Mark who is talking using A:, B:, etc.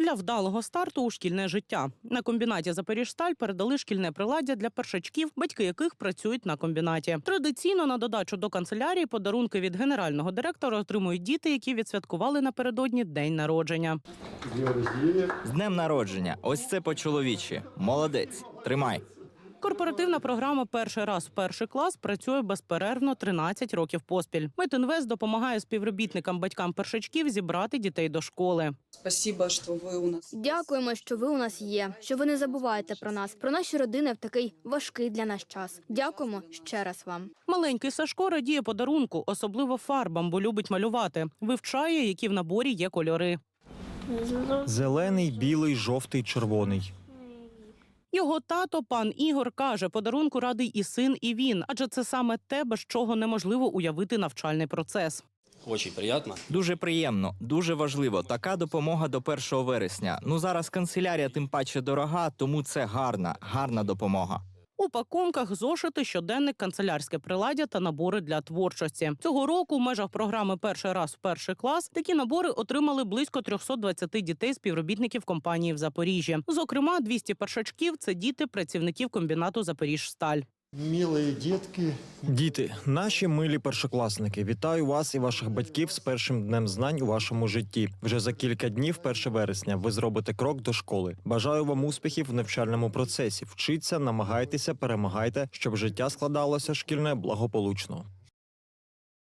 A: для вдалого старту у шкільне життя. На комбінаті «Запоріжсталь» передали шкільне приладдя для першачків, батьки яких працюють на комбінаті. Традиційно на додачу до канцелярії подарунки від генерального директора отримують діти, які відсвяткували напередодні день народження.
B: З днем народження. Ось це по-чоловічі. Молодець. Тримай.
A: Корпоративна програма «Перший раз в перший клас» працює безперервно 13 років поспіль. Медінвест допомагає співробітникам батькам першачків зібрати дітей до школи.
C: Спасибо, що ви у нас.
D: Дякуємо, що ви у нас є, що ви не забуваєте про нас, про наші родини в такий важкий для нас час. Дякуємо ще раз вам.
A: Маленький Сашко радіє подарунку, особливо фарбам, бо любить малювати. Вивчає, які в наборі є кольори.
E: Зелений, білий, жовтий, червоний.
A: Його тато, пан Ігор, каже, подарунку радий і син, і він. Адже це саме те, без чого неможливо уявити навчальний процес.
B: Дуже приємно, дуже важливо. Така допомога до 1 вересня. Ну, зараз канцелярія тим паче дорога, тому це гарна допомога.
A: У пакунках зошити, щоденник, канцелярське приладдя та набори для творчості. Цього року в межах програми «Перший раз в перший клас» такі набори отримали близько 320 дітей співробітників компанії в Запоріжжі. Зокрема, 200 першачків – це діти працівників комбінату «Запоріжсталь».
F: Милі дітки.
E: Діти, наші милі першокласники, вітаю вас і ваших батьків з першим днем знань у вашому житті. Вже за кілька днів, 1 вересня, ви зробите крок до школи. Бажаю вам успіхів в навчальному процесі. Вчіться, намагайтеся, перемагайте, щоб життя складалося шкільне благополучно.